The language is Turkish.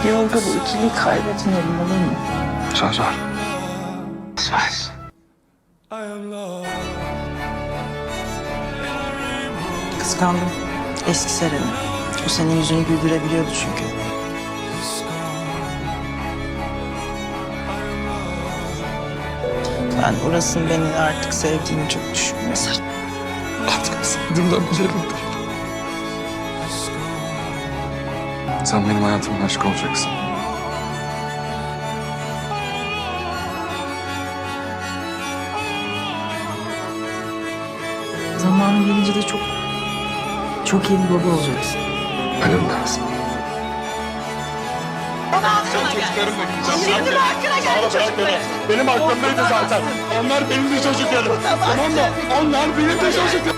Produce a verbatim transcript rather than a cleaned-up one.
Yolda bu ikiliyi kaybetmeyelim, olur mu? Söz ver. Söz. Kıskandım eski Seren'i. O senin yüzünü güldürebiliyordu çünkü. Ben orasını beni artık sevdiğini çok düşünmüyorum. Artık sevdiğimden bilirim. Sen benim hayatımın aşkı olacaksın. Zamanı gelince de çok, çok iyi bir baba olacaksın. Ölüm lazım. Şimdi mi hakkına geldi çocukları? Benim aklımdaydı zaten. Onlar benim de çocuklarım. Tamam mı? Onlar benim de çocuklarım.